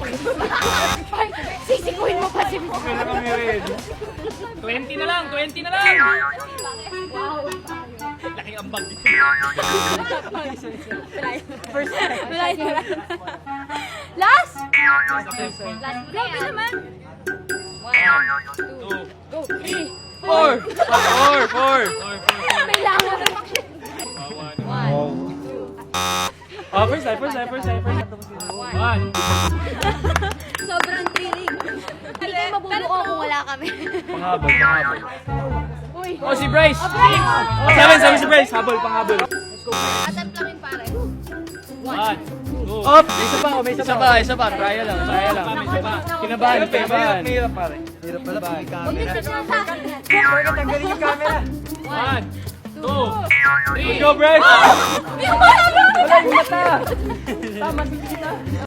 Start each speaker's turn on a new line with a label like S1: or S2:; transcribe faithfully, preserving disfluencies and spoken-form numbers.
S1: Sisikuin mo pa si Miss.
S2: Okay na kami ready.
S3: twenty na lang, twenty na lang!
S1: Wow.
S3: Laki ang bag.
S1: First time. Last! Last grabe naman. One, two, go, three,
S2: Four! Four! Four!
S1: Kailangan. One,
S2: Oh, first time, first time, first time, first time.
S3: One.
S1: sobrang thrilling. Hindi kayo mabubuo kung wala kami.
S2: Panghabol, panghabol.
S1: Uy.
S2: Oh, si Bryce!
S1: Bryce!
S2: Oh, seven, seven si Bryce. Habol, panghabol.
S1: Attempt lang yun, pare.
S3: One. Two.
S2: Up! May isa pa, oh, may isa pa. Isa pa, isa pa. Trial lang, trial lang.
S3: May isa pa.
S2: Kinabahan, kinabahan. Hirap pare.
S4: Hirap pala pag may
S1: Huwag
S4: camera.
S1: yung sa akin.
S4: Bakit tanggalin yung camera?
S3: One. Two. Three.
S2: Go, Bryce!
S1: Hindi ko malala!
S2: Wala yung mata! Tama, sige na.